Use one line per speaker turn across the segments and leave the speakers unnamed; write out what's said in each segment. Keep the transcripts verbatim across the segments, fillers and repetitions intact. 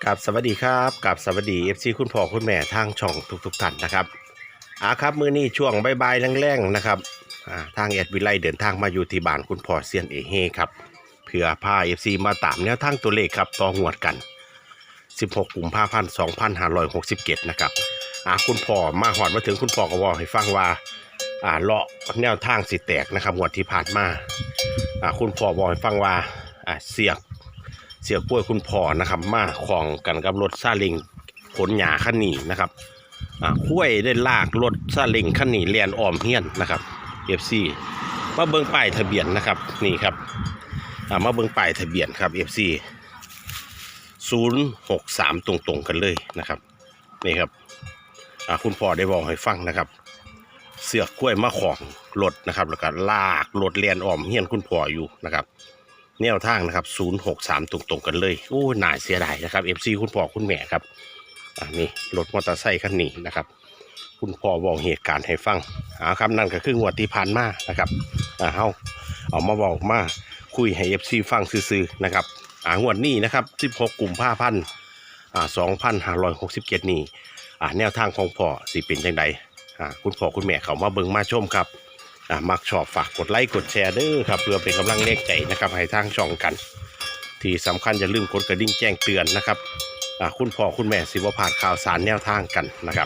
กับสวัสดีครับกับสวัสดีเอฟซีคุณพ่อคุณแม่ทางช่องทุกๆท่านนะครับอ่าครับมื้อนี้ช่วงบ่ายๆแรงๆนะครับอ่าทางแอดวิไลเดินทางมาอยู่ที่บ้านคุณพ่อเซียนเอเฮครับเพื่อพา เอฟ ซี มาตามแนวทางตัวเลขครับต่อหวดกันสิบหกกุมภาพันธ์สองพันห้าร้อยหกสิบเจ็ดนะครับอ่าคุณพ่อมาหอดมาถึงคุณพ่อก็บอกให้ฟังว่าอ่าเลาะแนวทางสิแตกนะครับงวดที่ผ่านมาอ่าคุณพ่อบอกให้ฟังว่าอ่าเสียกเสียกล้วยคุณพ่อนะครับมาของกันกับรถซาเล้งขนหญ้าคันนี้นะครับอ่าคุ้ยได้ลากรถซาเล้งคันนี้เลียนอ้อมเฮียนนะครับ เอฟ ซี มาเบิ่งป้ายทะเบียนนะครับนี่ครับอ่ามาเบิ่งป้ายทะเบียนครับ เอฟ ซี ศูนย์หกสามตรงๆกันเลยนะครับนี่ครับอ่าคุณพ่อได้บอกให้ฟังนะครับเสือกกล้วยมาของรถนะครับแล้วก็ลากรถเลียนอ้อมเฮียนคุณพ่ออยู่นะครับแนวทางนะครับศูนย์หกสามตรงๆกันเลยโอ้น่าเสียดายนะครับ เอฟ ซี คุณพ่อคุณแม่ครับอ่านี่รถมอเตอร์ไซค์คันนี้นะครับคุณพ่อบอกเหตุการณ์ให้ฟังอ่าครับนั่นก็คืองวดที่ผ่านมานะครับอ่าเฮาเอามาบอกมาคุยให้ เอฟ ซี ฟังซื่อๆนะครับอ่างวดนี้นะครับสิบหกกุมภาพันธ์อ่าสองพันห้าร้อยหกสิบเจ็ดนี้อ่าแนวทางของพ่อสิเป็นจังไดอ่าคุณพ่อคุณแม่เขามาเบิ่งมาชมครับอ่ามักชอบฝากกดไลค์กดแชร์เด้อครับเพื่อเป็นกำลังแรงใจนะครับให้ทางช่องกัน ที่สำคัญอย่าลืมกดกระดิ่งแจ้งเตือนนะครับอ่าคุณพ่อคุณแม่สิบ่พลาดข่าวสารแนวทางกันนะครับ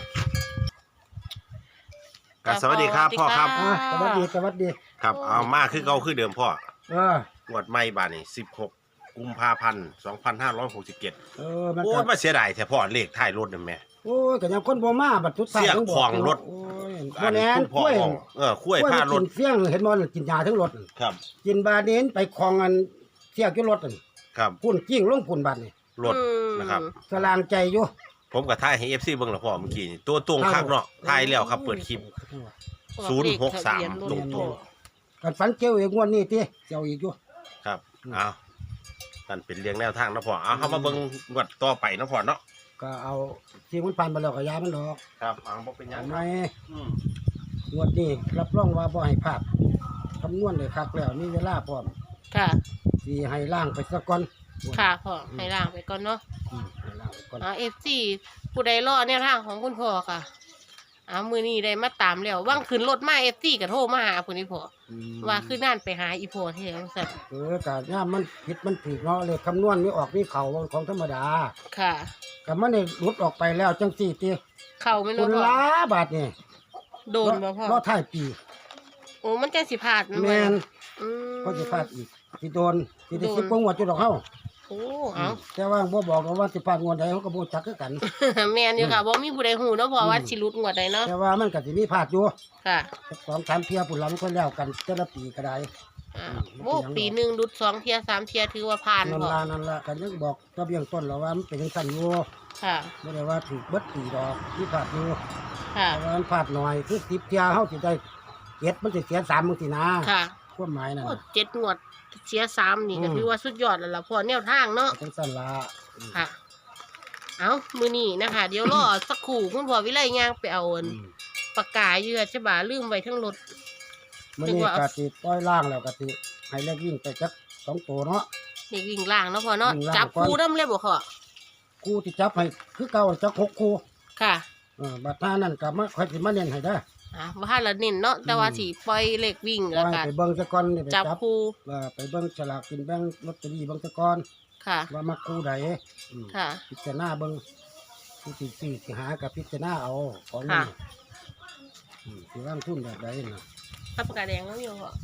ครับสวัสดีครับพ่อครับ
อ่าสวัสดีสวัสดี
ครับเอามาคือเก่าคือเดิมพ่อ
เออง
วดใหม่บาดนี้สิบหกกุมภาพันธ์สองพันห้าร้อยหกสิบเจ็ด
เออมัน
โอ้
ก็
ยมาเสียดายแท้พ่อเลขท้ายรถนั่นแม่
โอ้ยก็ยังคนบ่มาบัดทุก
เสียกของรถ
โอ้ย
อั
บ่
น
แน่
นี้
น
คุณพ่
ก
อ
ล้วย
บอกเออคุ้ยผ้ารถ
กินเฟี้ยงเห็นบ่กินยาทั้งรถ
ครับ
กินบาเดนไปคลองอันเสียกอยู่รถนั่น
ครับ
พุ่นกิ้งลงพุ่นบัดนี่
รถนะครับ
สลางใจอยู่
ผมกับท้ายให้ เอฟ ซี เบิ่งแล้วพ่อเมื่อกี้นี่ตัวตรงคักเนาะท้ายแล้วครับเปิดคลิปศูนย์หกสามตรงตัว
กันฝันเกี่ยวอีกงวดนี้ติเกี่ยวอีกอยู่
ครับเอานั่นเป็นเรียงแนวทางนะพ่อเอาเข้ามาเบิ่งงวดต่อไปนะพ่อเนาะ
ก็เอาที่มันผ่านไปแล้วก็ยามันดอก
ครับเอาบ่เป็นหยั
เอา
ง
ไหม
อืม
งวดนี้รับรองว่าบ่ให้พลาดคำนวณได้คักแล้วมีเวลาพร้อม
ค่ะ
สิให้ล่างไปซะก่อน
ค่ะพ่อให้ล่างไปก่อนเนาะ
อืมให้ล่างไปก่อน
อ่าเอฟซีผู้ใดรอแนวทางของคุณพ่อค่ะอ่ามือนี้ได้มาตามแล้วว่างขึ้นรถมาเอฟซีก็โทรมาหาคุณอีพ่อ
อืม
ว่าคือนั่นไปหาอีพ่อเที่ยวสัตว์
เออแต่ย่ามมันผิดมันถูกเนาะเลยคำนวณไม่ออกนี่เขาของธรรมดา
ค่ะ
กับมันนี่หลุดออกไปแล้วจังสี่ตี
เข้าไม่
คุ
รู้
ณ
พ่อ
ล้าบาทนี่
โดนบ่พ่อ
รอท้ายปี
โอ้มันจะสิพลาดนะ
แมน
อืม
ก็จะพลาดอีกสิโดนสิได้
โดน
สิบกว่าหัวจุดดอกเฮา
โอ้เอา
แต่ว่าบ่บอกหรอกว่าสิพลาดงวดใดเขาก็บ่จักคือกัน
แม่นอยู่ค่ะบ่มีผู้ใดฮู้เนาะพ่อว่า
อืม
สิหลุดงวดใดเนาะ
แต่ว่ามันก็สิมีพลาดอยู่
ค่ะ
สักสองสามเที่ยปุ่นหลังก็แล้วกันแต่ละปีก็ได้
อ่า
อืม
โอ้ปีหนึงหลุดสองเที่ยสามเที่ยถือว่าผ่าน
นั่น
พ่อ
ล่ะนั่นล่ะกันยังบอกก็เบี้ยงต้นแล้วว่ามันเป็นจังซั่นอยู่
ค่ะ
บ่ได้ว่าถูกเบิดปีดอกมีพลาดอยู่
ค่ะ
แต่ว่ามันพลาดหน่อยคือสิบเที่ยเฮาสิได้เจ็ดมันสิเสียสามมื้อสินะ
ค่ะ
ความหมายนั่น
โอ้
น่ะ
เจ็ดงวดเสียสามนี่ก็
อืม
ถือว่าสุดยอดแล้วล่ะพอแนวทางเนาะ
จังซั่นล่ะอืม
ค่ะ เอามือนี่นะคะ เดี๋ยวรอ สักครู่คุณพ่อวิไลย่างไปเอาอัน
อืม
ปากกาอยู่อะใช่บ่าลืมไว้ทั้งรถ
มื้อ
นึก
นี้
ว่าเอา
ก็สิปล่อยล่างแล้วก็สิให้เลขวิ่งไปจักสองตัวเนาะ
เด็กวิ่งล่างเนาะพ่อเนาะ
วิ่งล่าง
จับ
ก่อน
คู่น้ำเลยบ่พ่อ
คู่ที่จับให้คือเก่าจักหกคู่
ค่ะ
เออบัดหน้านั้นก็มาค่อยสิมาเน้นให้เด้อ
อ่ะว่าละเน้นเนาะแต่ว่า
อืม
สิปล่อยเลขวิ่ง
ปล่
แล้
อ
วย กัน
ไปเบิ่งซะก่อนนี่ไป
จับ
จับ
คู่
ว่าไปเบิ่งฉลากกินแบ่งลอตเตอรี่เบิ่งซะก่อน
ค่ะ
ว่ามักคู่ใดอืม
ค่ะ
พิจารณาเบิ่งผู้ที่ซื้อสิหากับพิจารณาเอาของ
ค่ะ
นี่อืมสิวางทุนแบบใดน่ะ
ถ้าปากกาแดงแล้วอยู่พ่อ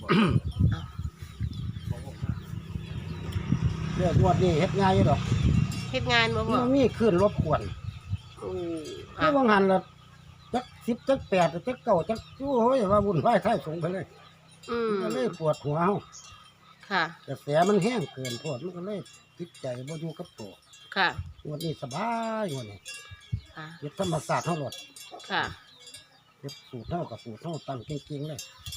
เรื่องงวดนี้เฮ็ดง่ายอยู่ดอก
เฮ็ดงานบ่พ่อ
มันมีขึ้นรบกวน
อือ
คื
อ่ะ
อบางหันละจักสิบจักแปดจักเก้าจักโอ้ยว่าวุ่นวายท้ายสงไปเลย
อืม
มันก็เลยปวดหัวเฮา
ค่ะ
กระแสมันแห้งเกินโพดมันก็เลยติดใจบ่อยู่กับตัว
ค่ะ
งวดนี้สบายงวดนี้
ค่ะ
เฮ็ดธรรมศาสตร์เฮาหมด
ค่ะ
เฮ็ดสูตรเฮากับสูตรเฮาตั้งเก่งๆเลย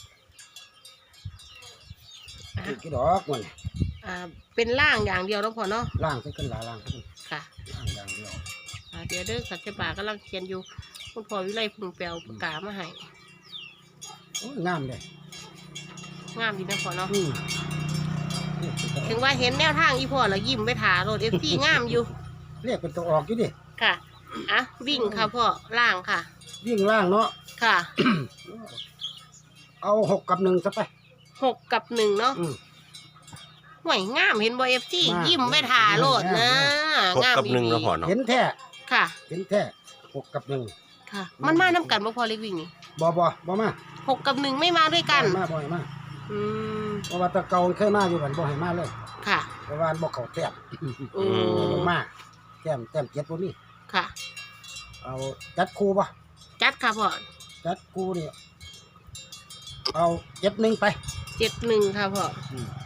อ่ะ
เก่งกี่ดอกงวดนี้
อ่าเป็นล่างอย่างเดียวแล้วพ่อเนาะ
ล่างไปขึ้นหลาล่างขึ้น
ค่ะ
ล่างอย่างเดียว
อ่าเดี๋ยวเด้อสัจจบากำลังเขียนอยู่คุณพ่อวิไลเพึ่งแปลปากกามาให้
โอ้ยงามเลย
งามดีนะพ่อเนาะ
อืม
ถึงว่าเห็นแนวทางอีพ่อแล้วยิ้มไปถารถเอฟซีงามอยู่
เรียกเป็นตัวออกอยู่ดิ
ค่ะอ่ะวิ่งค่ะพ่อล่างค่ะ
วิ่งล่างเนาะ
ค่ะ
เอาหกกับหนึ่งซะไป
หกกับหนึ่งเนาะ
อืม
ห่วยงามเห็นบอเอฟซี
มาก
ยิ้มไปทาโลดนะ
หก
งาม
กับหนึ่ง
ดี
แล้วพอเนาะ
เห็นแท้
ค่ะ
เห็นแท้หกกับหนึ่ง
ค่ะ มันมาน้ำกันบ่พอเล็กวิ่งนี่
บอบอบอมา
หกกับหนึ่งไม่มาด้วยกัน
บ่ให้มาบ่ให้มา
อืม
เพราะว่าแตะเกาเคยมาอยู่กันบ่ให้มาเลย
ค่ะ
เพราะว่าบ่เข้าแต้ม
อื
บ่
ม
มาแต้มแต้มเจ็ดบ่มี
ค่ะ
เอาจัดคู่บ่
จัดค่ะพ่อ
จัดคู่นี่เอาเจ็ดหนึ่งไป
เจ็ดหนึ่งค่ะพ่อ
อืม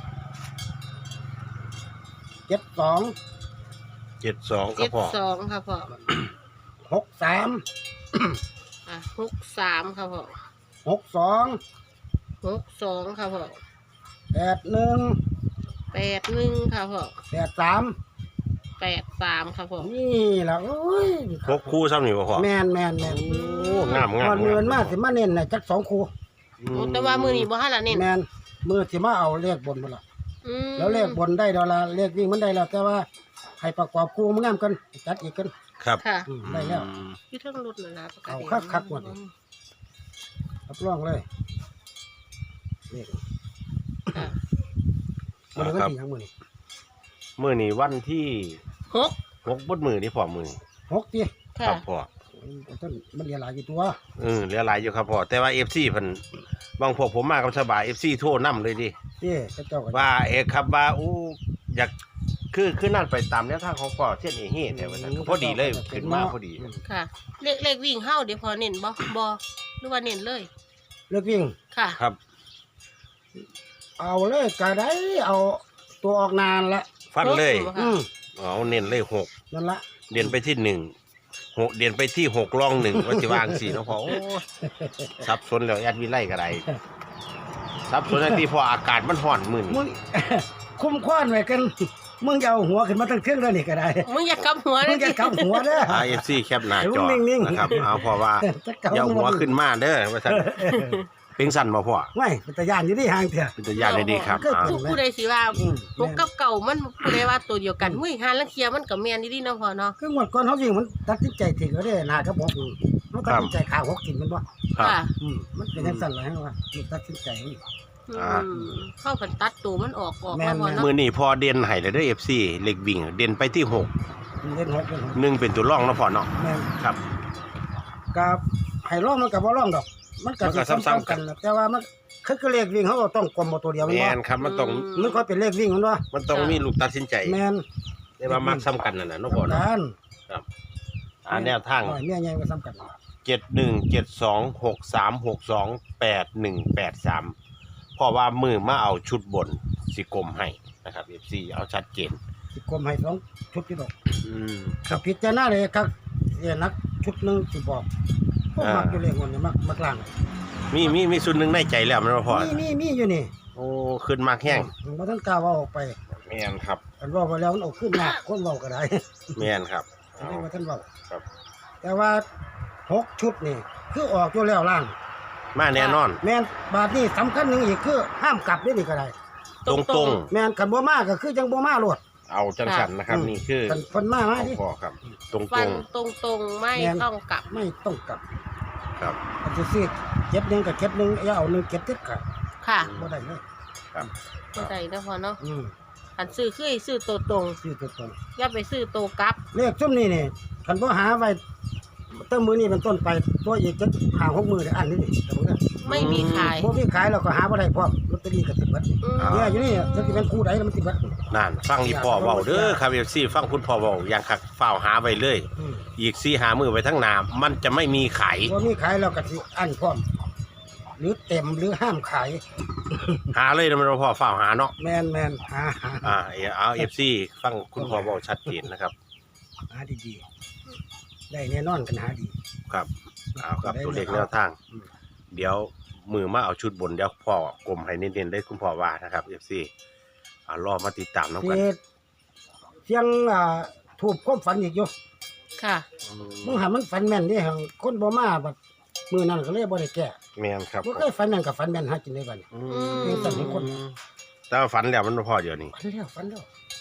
เจ็ดสอง
เจ็ดสองครั
เจ็
บ
ด
พ่อ
สองค่ะพ่อ
หกสาม
อ่ะหกสามค่ะพ่อ
หกสอง
หกสองค่ะพ่อ
แปดหนึ่ง
แปดหนึ่งค่ะพ่อ
แปดสาม
แปดสามค่ะพ่อ
นี่ล่ะโอ้ย
หกคู่ซ้ำนี่บ่พ่อ
แม่นแม่นแม่น
โอ้งามงาม
ก่อนเงินมาสิมาเน้นน่ะจักสองคู่
อื
โอ้แต่ว่ามือนี้บ่ฮั่นละเน้น
แม่นมือสิมาเอาเลขบนมาละ
อืม
แล้วเลขบนได้ดอลลาร์เลขวิ่งมันได้แล้ว แต่ว่าให้ประกอบคู่มันงามกันจัดอีกกัน
ครับ
ค่ะ
อืมได้แล้ว
อืม
อยู่เทั้งรถนั่นล่ะประกาศ
เอาคักๆหมด รับรองเลยเลข
ค่ะ
มันก็
ครับ
ดีทั้งมือนี่
มื้อนี้วันที่
หก
หกบดมือนี่พ่อมือ
หกตี
ค
ค่ะ
รับพ่อ
ต้นมันเรียหลายอยู่ตัว
เออเหลือหลายอยู่ครับพ่อแต่ว่า เอฟ ซี เพิ่นบางพวกผมมากับสบาย เอฟ ซี โทรนํเลยดิ
เจ้าเจ้าก็
ว่าเอกครับว่าอู้อยากคือคือนั่นไปตามแนวทางของพ่อเช่นเอเฮ่แต่ว่าซั่นก็พอดีเลยขึ้นมาพอดี
ค่ะเลขเลขวิ่งเฮาเดี๋ยวพอเน้นบ่บ่หรือว่าเน้นเลย
เลขวิ่ง
ค่ะ
ครับ
เอาเลยก็ได้เอาตัวออกนานละ
ฟันเลย
หก
อืม
เอาเน้นเลยหก
นั่นละ
เดียนไปที่หนึ่งหกเดียนไปที่หกรองหนึ่งว่าสิวางสี่เนาะพ่อโอ้สับสนแล้วแอดวิไลก็ได้สับสนที่พออากาศมันร้อนมื้อ
มึ
นี้
ง คุ้มคว้านไว้กัน มึงจะเอาหัวขึ้นมาตั้งเครื่องแล้วนี่ก็ได้
มึงอย่ากำหัว
มึ
เลย
งจะกำหัวเด้อ
อ่า เอฟ ซี แคปหน้าจอ
นิ่งๆ
นะครับเอาพอว่า
จะกำ
อย่าเอาหัวขึ้นมาเด้อว่าซั่นเป็นสั่นบ่พ่อ
ไม่เป็นตะยานอยู่ที่ห่างเถอะ
เป็นตัวอย่างได้ดีครับ
ก็
อ่า
ผู้ผู้ใดสิว่า
อืม
หกกับเก่ามันผู้ใดว่าตัวเดียวกันหุ้ยหาลังเทียมันก็แม่นดีๆเนาะพ่อเนาะ
คือหมดก่อนเขาจริงมันตัดสินใจถึงก็ได้นาครับผมมันตัดสินใจขาหกกินมันบ่
ครับ
ค่ะ
อืมมันเป็นจังซั่นล่ะฮะว่ามันตัดสินใจ
อ่า
อืมเข้ากันตัดตัวมันออกออก
แม่
มาน พ่อเนาะ
มื้อนี้พอเด่นให้แล้วเด้อ เอฟ ซี เล็กวิ่งเด่นไปที่หก
เล่นหกเล่นหก
หนึ่งเป็นตัวรองเนาะพ่อเนาะ
แม่น
ครับ
กับให้ร้องมันกับบ่ร้องดอก มันก็
มันก็
สิ
ซ้ำๆกัน
ๆแต่ว่ามันคือคือเลขวิ่งเขาก็ต้องกลมเอาตัวเดียวแมัน
แม่
บ่
นครับมันต้อง
มันก็เป็นเลขวิ่งมันว่า
มันต้องมีลูกตัดสินใจ
แม่น
แต่ว่ามักซ้ำกันนั่นน่ะเนาะพ่อเนาะ
กัน
อ่าแนวทาง
น้อยเมียใหญ่ก็ซ้ำกัน
เจ็ดหนึ่งเจ็ดสองหกสามหกสองแปดหนึ่งแปดสามเพราะว่ามือมาเอาชุดบนสิกลมให้นะครับ เอฟ ซี เอาชัดเจน
สิกลมให้สองชุดที่ดอก
อืม
ถ้าผิดจะหน้าเลยครับเสียนักชุดหนึงสิบอกพวก
อ่ามั
มักอยู่เลขคนนี่มักมักล่าง
มีมีมีส่วนหนึ่งในใจแล้วแมันบ่พอ
มีมีมีอยู่นี่
โอ้ขึ้นมากแห้ง
มันบ่ทันกล้าเว่าออกไป
แม่นครับ
อันเว่าไปแล้วมันเอาขึ้นมากคนเว้าก็ได้
แม่นครับ
อัน
เอา
นี้ว่าท่านเว้า
ครับ
แต่ว่าหกชุดนี่คือออกอยู่แล้วล่าง
มาแน่นอน
แม่นบาทนี้สำคัญหนึงอีกคือห้ามกลับได้นี่ก็ได้
ตรงตรง
แม่นคันบ่มาก็คือจังบ่มาโลด
ๆเอาจังสันนะครับ
อืม
นี่คือ
คันเพิ่นมามา
ของ
ดิ
พ่อครับ ตรงต
ฟั
ร
น
ง
ตรงตรงๆไม่
แม่น
ต้องกลับ
ไม่ต้องกลับ
ครับ
อันที่ซื้อเก็บหนึงกับเก็บหนึงอย่าเอาหนึงเก็บเด็ดขาด
ค่ะ
บ่ได้เลย
ครับ
เข้าใจนะพ่อเนาะ
อืม
อันซื้อคือให้ซื้อตัวตรง
ซื้อตัวตรง
อย่าไปซื้อตัวกลับ
เลขซุ่มนี้นี่คันบ่หาไว้ตั้งมื้อนี้เป็นต้นไปตัวอีกจะหาหกมื้อได้อันนี้นี่แต่บ่ได้
ไม่มีขาย
บ่มีขายเราก็หาบ่ได้พร้อมลอตเตอรี่ก็สิเบิด
อืม
เนี่ยอยู่นี่จะสิเป็นคู่ใดแล้วมันสิเบิด
นั่นฟังอีพ่อเว้าเด้อครับ เอฟ ซี ฟังคุณพ่อเว้าอย่างคักฝ้าวหาไว้เลย
อืม
อีกสี่หามือไว้ทั้งหน้ามันจะไม่มีขาย
บ่มีขายเราก็สิอันพร้อม หรือเต็มหรือห้ามขาย
หาเลยนะมันบ่พ่อฝ้าวหาเนาะ
แมนแมนหาหา
อ่าเอา เอฟ ซี ฟังคุณพ่อเว้าชัดเจนนะครับ
หาดีๆได้แน่นอนกันหาดี
ครับเอาครับตัวเลขแนวทาง
อืม
เดี๋ยวมือมาเอาชุดบนเดี๋ยวพ่อกลมให้เน้นๆได้คุณพ่อว่านะครับ เอฟ ซี อ่ารอมาติดตามน้ำกัน
เสียเสียงอ่าถูกความฝันอีกอยู่
ค่ะ
มึงหามันฝันแม่นเด้หั่งคนบ่มาบัดมื้อนั้นก็เลยบ่ได้แก้
แม่นครับ
บ่เคยฝันแม่นกับฝันแม่นหากินได้บัดนี้
อื
อื
ม
เป็นสัตว์เป็นคน
แต่ว่าฝันแล้วมันบ่พอเดี๋ยวนี้
ฝันแล้วฝันแล้ว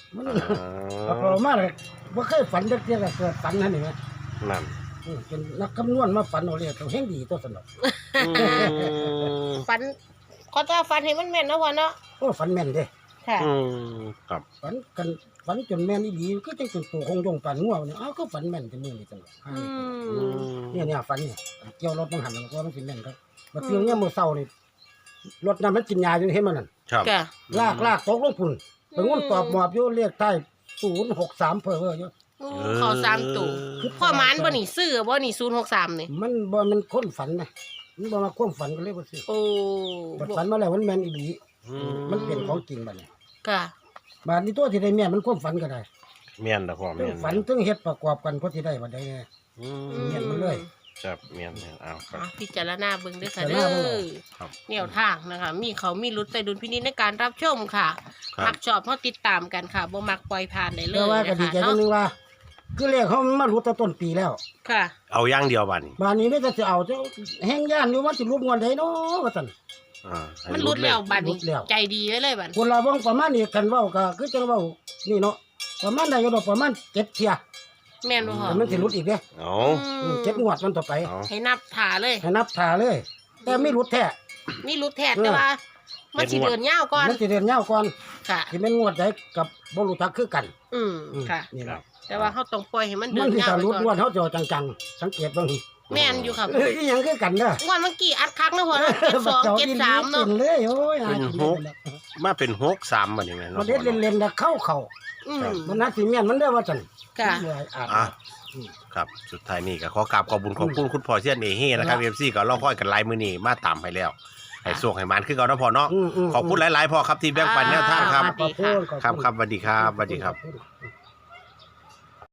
มัน
อ่
เอาพอามาเลยบ่เคยฝันจักเที่ยก็เกิดฝันนั่นนี่แหม
นั่น
อืมเป็นนักคำนวณมาฝันเอาเลยตัวแห่งดีตัวสนุก
อืม
ฝันเขาจะฝันให้มันแม่นเนาะพ่อเนาะ
โอ้ฝันแม่นเด้
ค่ะ
อืมครับ
ฝันกันฝันจนแม่นอีหลีก็จังเป็นตัวคงยงฝันงัวเนี่ยอ้าวก็ฝันแม่นจังมื้อนี้จัง
อื
อื
ม
ม
เนี่ยเนี่ยฝันเนี่ยเกี่ยวรถมันหันแล้วก็มันสิแม่นครับมาเที่ยวเนี่ยมื้อเช้านี่รถนั้นมันกินยาอยู่เห็นมันนั่น
ครับ
ค่ะ
ลากลากตกลงพุ่นไปงุ่นตอบหมอบอยู่เลขใต้ศูนย์หกสามเพ้อเพ้ออยู่
โอ้เขาสามตัวพ่อหมานบ่นี่ซื้อบ่นี่ศูนย์หกสามนี่
มันบ่มันคนฝันนะมันบ่มาความฝันก็เลยบ่ซื้อ
โอ้
บัดฝันมาแล้วมันแม่นอีหลี
อื
มันเป็นของจริงบัดนี้
ค่ะ
บาดนี้ตัวที่ได้แม่นมันความฝันก็ได้
แม่นนะพ่อ
ทั้
แม่
ง
น
ฝันทั้งเฮ็ดประกอบกันพอสิได้บัดใดแน่
อื
แม่นมาเลย
ครับแม่นแม่นเอาครั
อ่ะ
บ
พิจารณาเบิ่งเด้อค่ะ
พิ
เด้
จารณาเบิ่ง
อ
ครับ
แนวทางนะคะ มีเขามีรุดใส่ดุลพินิจในการรับชมค่ะ
ครับ
มักชอบเพราะติดตามกันค่ะบ่มักปล่อยผ่านได้เล
แต่
ย
ว่าก็
นะ
ดี
คะ
ใจจั
เนาะ
งนึงว่า คือเลขเขามารู้แต่ต้นปีแล้ว
ค่ะ
เอาอย่างเดียวบัดนี้
บาดนี้ไม่จะสิเอาเจ้าแห้งย่านอยู่ว่าสิรูปงวดใดเนาะว่าซั่น
อ่าให้
มันรุดแล้วบัดนี้
รุดแล้ว
ใจดีไว้เลยบัด
คนละบ่งประมาณนี้กันเว้าก็คือจังเว้านี่เนาะประมาณได้อยู่ดอกประมาณเจ็ดเที่ย
แม่นบ่พ่อ
แต่มันสิรุดอีกเด้
เอา
อืมเจ็ดงวดมันต่อไป
เอา
ให้นับถ่าเลย
ให้นับท่าเลย แต่ไม่รุดแท้
นี่รุดแทดแต่ว่า มันสิ
เจ็ดงวด
เดินยาวก่อน
มันสิเดินยาวก่อน
ค่ะ
สิแม่นงวดใดกับบ่รู้จักคือกัน
อืม
อืม
ค่ะ
นี่
ครั
ล่ะ
บ
แต่ว่าเขาต้องปล่อยให้มันเดิ
มัน
น
สิ
ยาว
ถ้า
ไป
รุดง
ก่
ว
อ
ด
น
เฮาจะเอาจังๆสังเกตเบิ่ง
แม่นอยู่ครับ
เอ้ยอีหยังคือกันเด้อ
งวดเมื่อกี้อัดคักนะพ่อเนาะเจ็ดสองเจ็ดสามเนาะ
กิเลยโอ้ยหา
เป็น
กิน
ห
ได้
ก
แล้ว
มาเป็นหกสามบัดนี้แม่น
มันเด็ดเล่นๆแล้วเข้าเข้า
อืม
มันน่าสิแม่นมันได้อว่าจัง
ค่ะ
เลยอาจ
อ่ะครับสุดท้ายนี่ก็ขอกราบขอบคุญขอบคุณคุณพ่อเสียนเอเฮ่นะครับ เอฟ ซี ก็รอคอยกันหลายมื้อนี้มาตามให้แล้วให้โชคให้มันคือเก่าเนาะพ่อเนาะ
มๆๆ
ขอบคุณหลายๆพ่อครับที่แบ่งปันแนวทางครับ
สวัสดีค่ะ
ขอณ
ครับครับสวัสดีครับสวัสดีครับ
ขอณ